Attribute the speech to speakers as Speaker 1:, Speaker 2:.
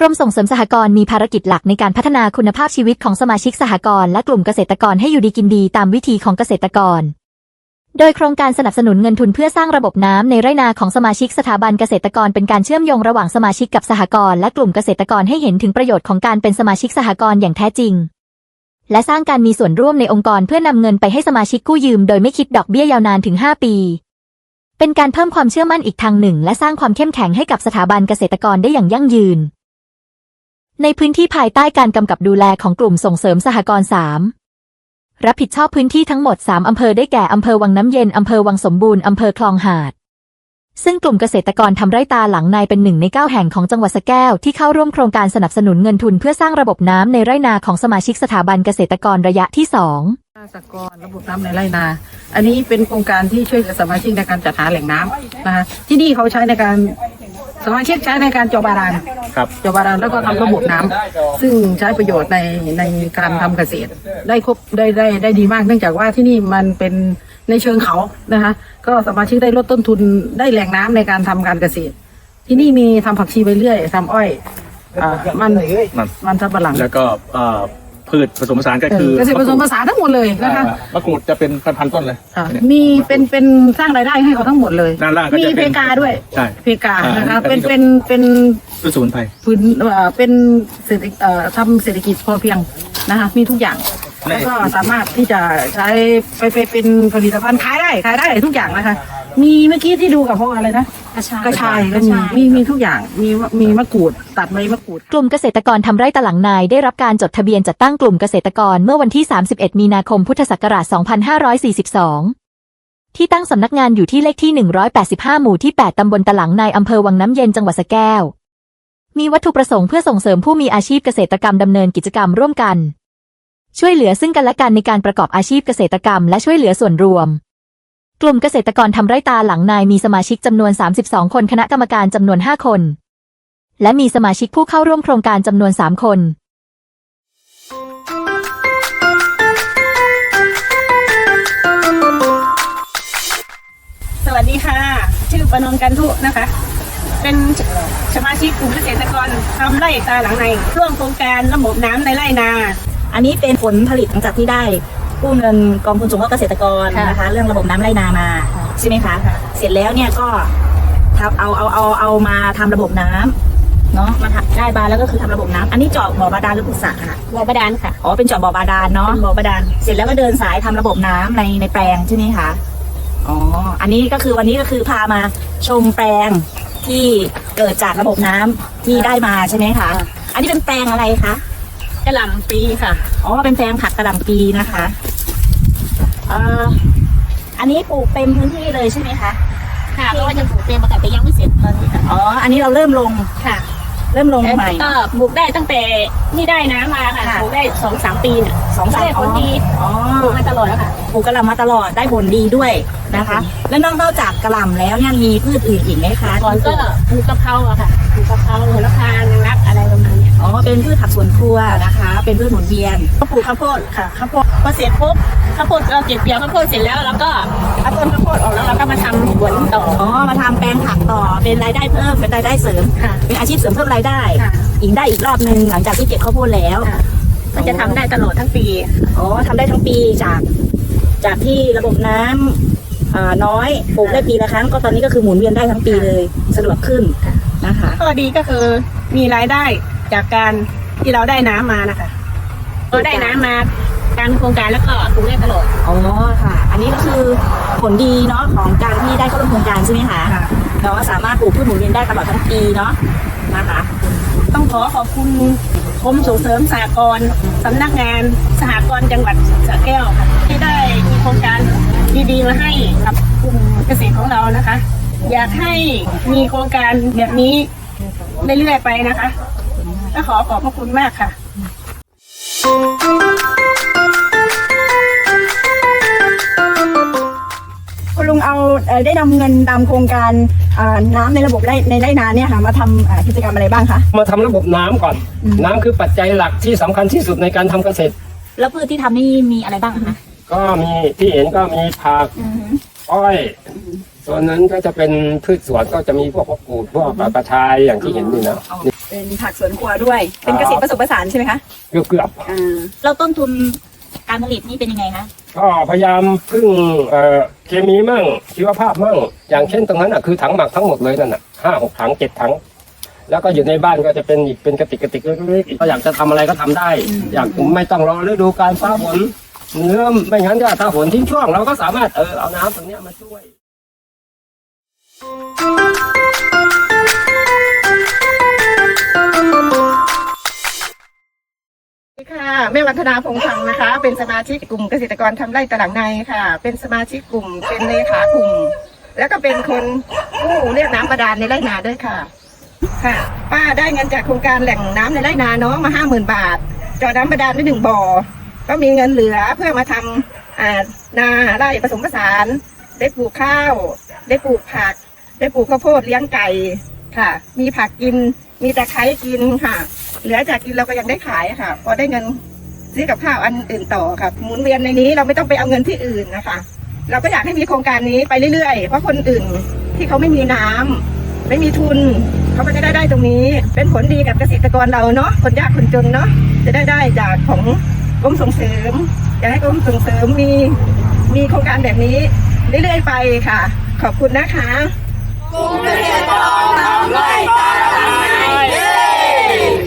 Speaker 1: รมส่งเสริมสหกรณ์มีภารกิจหลักในการพัฒนาคุณภาพชีวิตของสมาชิกสหกรณ์และกลุ่มเกษตรกรให้อยู่ดีกินดีตามวิถีของเกษตรกรโดยโครงการสนับสนุนเงินทุนเพื่อสร้างระบบน้ำในไร่นาของสมาชิกสถาบันเกษตรกรเป็นการเชื่อมโยงระหว่างสมาชิกกับสหกรณ์และกลุ่มเกษตรกรให้เห็นถึงประโยชน์ของการเป็นสมาชิกสหกรณ์อย่างแท้จริงและสร้างการมีส่วนร่วมในองค์กรเพื่อนำเงินไปให้สมาชิกกู้ยืมโดยไม่คิดดอกเบี้ยยาวนานถึง5 ปีเป็นการเพิ่มความเชื่อมั่นอีกทางหนึ่งและสร้างความเข้มแข็งให้กับสถาบันเกษตรกรได้อย่างยั่งยืนในพื้นที่ภายใต้การกำกับดูแลของกลุ่มส่งเสริมสหกรณ์3รับผิดชอบพื้นที่ทั้งหมด3อำเภอได้แก่อำเภอวังน้ำเย็นอำเภอวังสมบูรณ์อำเภอคลองหาดซึ่งกลุ่มเกษตรกรทำไร่ตาหลังในเป็น1 ใน 9แห่งของจังหวัดสระแก้วที่เข้าร่วมโครงการสนับสนุนเงินทุนเพื่อสร้างระบบน้ำในไร่นาของสมาชิกสถาบันเกษตรกรระยะที่2
Speaker 2: สหกรณ์ระบบน้ำในไร่นาอันนี้เป็นโครงการที่ช่วยเหลือสมาชิกในการจัดหาแหล่งน้ำนะคะที่นี่เขาใช้ในการสมาชิกใช้ในการเจาะบาดาลเจาะบาดาลแล้วก็ทำระบบน้ำซึ่งใช้ประโยชน์ในการทำเกษตรได้ดีมากเนื่องจากว่าที่นี่มันเป็นในเชิงเขานะคะก็สมาชิกได้ลดต้นทุนได้แหล่งน้ำในการทำการเกษตรที่นี่มีทำผักชีใบเลื่อยทำอ้อยมันสำปะหลัง
Speaker 3: แล้วก็พืชผสมผสานก็คือ
Speaker 2: เกษตรผสมผสานทั้งหมดเลยนะคะ
Speaker 3: มะกรูดจะเป็นพันต้นเลย
Speaker 2: มีเป็นสร้างรายได้ให้เขาทั้งหมดเลยมีเพกาด้วย
Speaker 3: ใช่
Speaker 2: เพกานะคะเป็น
Speaker 3: พืชสมุนไพร
Speaker 2: เป็นทำเศรษฐกิจพอเพียงนะคะมีทุกอย่างแล้วก็สามารถที่จะใช้ไปเป็นผลิตภัณฑ์ขายได้ทุกอย่างนะคะมีเมื่อกี้ที่ดูกับพวกอะไรนะกระชายก็มีทุกอย่างมีมะกรูดตัดใบมะกรูด
Speaker 1: กลุ่มเกษตรกรทำไร่ตะหลังนายได้รับการจดทะเบียนจัดตั้งกลุ่มเกษตรกรเมื่อวันที่31 มีนาคมพุทธศักราช 2542ที่ตั้งสำนักงานอยู่ที่เลขที่185หมู่ที่8ตำบลตะหลังนายอำเภอวังน้ำเย็นจังหวัดสระแก้วมีวัตถุประสงค์เพื่อส่งเสริมผู้มีอาชีพเกษตรกรรมดำเนินกิจกรรมร่วมกันช่วยเหลือซึ่งกันและกันในการประกอบอาชีพเกษตรกรรมและช่วยเหลือส่วนรวมกลุ่มเกษตรกรทำไร่ตาหลังนายมีสมาชิกจำนวน32คนคณะกรรมการจำนวน5คนและมีสมาชิกผู้เข้าร่วมโครงการจำนวน3คน
Speaker 4: สวัสดีค่ะชื่อประนอมกันทุนะคะเป็นสมาชิกกลุ่มเกษตรกรทำไร่ตาหลังในร่วมโครงการระบบน้ำในไร่นา
Speaker 5: อันนี้เป็นผลผลิตหลังจากที่ได้กู้เงินกองทุนสงเคราะห์เกษตรกรนะคะเรื่องระบบน้ำไร่นามาใช่ไหมคะเสร็จแล้วเนี่ยก็เอามาทำระบบน้ำเนาะมาได้บาแล้วก็คือทำระบบน้ำอันนี้เจาะบ่อบาดาลหรือขุดสระค่ะ
Speaker 4: บ่อบาดาลค่ะ
Speaker 5: อ๋อเป็นเจาะบ่อบาดาลเนาะ
Speaker 4: บ่อบาดาล
Speaker 5: เสร็จแล้วก็เดินสายทำระบบน้ำในแปลงใช่ไหมคะอ๋ออันนี้ก็คือวันนี้ก็คือพามาชมแปลงที่เกิดจากระบบน้ำที่ได้มาใช่ไหมคะอันนี้เป็นแปลงอะไรคะ
Speaker 4: กระหล่ำปีค่ะ
Speaker 5: อ๋อเป็นแปลงผักกระหล่ำปีนะคะอันนี้ปลูกเต็มพื้นที่เลยใช่ไหมคะ
Speaker 4: ค่ะเพราะว่ายังปลูกเต็มแต่ยังไม่เสร็จตอนนี้ค่ะ
Speaker 5: อ๋ออันนี้เราเริ่มลง
Speaker 4: ค่ะ
Speaker 5: เริ่มลงใหม่
Speaker 4: ก็ปลูกได้ตั้งแต่นี่ได้น้ำมาค่ะปลูกได้2-3 ปีเนี่ย2-3 ผลดีปลูกมาตลอดแล้วค่ะ
Speaker 5: ปลูกกระหล่ำมาตลอดได้ผลดีด้วยนะคะแล้วนอกจากกระหล่ำแล้วยังมีพืชอื่นอีกไหมคะ
Speaker 4: ก่อนก็ปลูกกะเพราอะค่ะปลูกกะเพราโหระพานางรักอะไรประมาณนี้
Speaker 5: อ๋อเป็นพืชผักสวนครัวนะคะเป็นพืชหมุนเวียน
Speaker 4: ก็ปลูกข้าวโพดค่ะข้าวโพดพอเสร็จปุ๊บข้าวโพดเราเก็บเกี่ยวข้าวโพดเสร็จแล้วเราก็เอาต้นข้าวโพดออกแล้วเราก็มาทำสวนต่อ
Speaker 5: อ๋อมาทำแปลงผักต่อเป็นรายได้เพิ่มเป็นรายได้เสริม
Speaker 4: ค่ะ
Speaker 5: เป็นอาชีพเสริมเพิ่มรายได้อีกได้อีกรอบนึงหลังจากที่เก็บข้าวโพดแล้ว
Speaker 4: มันจะทำได้ตลอดทั้งปี
Speaker 5: อ๋อทำได้ทั้งปีจากที่ระบบน้ำน้อยปลูกได้ปีละครั้งก็ตอนนี้ก็คือหมุนเวียนได้ทั้งปีเลยสะดวกขึ้นนะคะ
Speaker 4: ข้อดีก็คือมีรายได้จากการที่เราได้น้ำมานะคะเราได้น้ำมาการโครงการแล้วก็ปลูกได้ตลอด
Speaker 5: อ๋อค่ะอันนี้ก็คือผลดีเนาะของการที่ได้เข้าร่วมโครงการใช่ไหมคะเราสามารถปลูกพืชหมุนเวียนได้ตลอดทั้งปีเนาะนะคะ
Speaker 4: ต้องขอบคุณกรมส่งเสริมสหกรณ์สำนักงานสหกรณ์จังหวัดสระแก้วค่ะที่ได้มีโครงการดีๆมาให้กับกลุ่มเกษตรของเรานะคะอยากให้มีโครงการแบบนี้เรื่อยๆไปนะคะก็ขอบพระคุณมากค่ะ
Speaker 6: คุณลุงเอาได้นำเงินตามโครงการน้ำในระบบในไร่นาเนี่ยค่ะมาทำกิจกรรมอะไรบ้างคะ
Speaker 7: มาทำระบบน้ำก่อนน้ำคือปัจจัยหลักที่สำคัญที่สุดในการทำเกษตร
Speaker 5: แล้วพืชที่ทำนี่มีอะไรบ้างคะ
Speaker 7: ก็มีที่เห็นก็มีผักอ้อยส่วนนั้นก็จะเป็นพืชสวนก็จะมีพวกผักกูดพวกกระชายอย่างที่เห็นนี่นะนี่
Speaker 6: เป็นผักสวนครัวด้วย เป็นเกษตรผสมผสานใช่ไหมคะ
Speaker 7: เกือบ
Speaker 5: แล้วต้นทุนการผลิตนี่เป็นยังไงคะ
Speaker 7: ก็พยายามพึ่งเคมีมั่งชีวภาพมั่งอย่างเช่นตรงนั้นคือถังหมักทั้งหมดเลยนั่น5-6 ถัง 7 ถังแล้วก็อยู่ในบ้านก็จะเป็นอีกเป็นกระติกเล็กๆก็อยากจะทำอะไรก็ทำได้ อยากไม่ต้องรอฤดูกาลฟ้าฝนเนื้อไม่งั้นก็ถ้าฝนทิ้งช่วงเราก็สามารถเอาน้ำตรงนี้มาช่วย
Speaker 4: ค่ะแม่วันธนาพงษ์พังนะคะ เป็นสมาชิกกลุ่มเกษตรกรทำไร่ตลาดในค่ะ เป็นสมาชิกกลุ่มเป็นเลขากลุ่ม แล้วก็เป็นคนผู้เรียกน้ำบาดาลในไร่นาด้วยค่ะ ค่ะ ป้าได้เงินจากโครงการแหล่งน้ำในไร่นาน้องมา50,000 บาทเจาะน้ำบาดาลได้1 บ่อก็มีเงินเหลือเพื่อมาทำนาไร่ผสมผสานได้ปลูกข้าว ได้ปลูกผัก ได้ปลูกข้าวโพดเลี้ยงไก่ค่ะ มีผักกินมีตะไคร้กินค่ะ เหลือจากกินเราก็ยังได้ขายค่ะพอได้เงินซื้อกับข้าวอันอื่นต่อค่ะหมุนเวียนในนี้เราไม่ต้องไปเอาเงินที่อื่นนะคะ เราก็อยากให้มีโครงการนี้ไปเรื่อยๆเพราะคนอื่นที่เขาไม่มีน้ำไม่มีทุนเขาก็จะได้ตรงนี้เป็นผลดีกับเกษตรกรเราเนาะคนยากคนจนเนาะจะได้จากของกรมส่งเสริมอยากให้กรมส่งเสริมมีโครงการแบบนี้เรื่อยๆไปค่ะ ขอบคุณนะคะ
Speaker 8: กลุ่มเกษตรกรทำไร่ตาลาย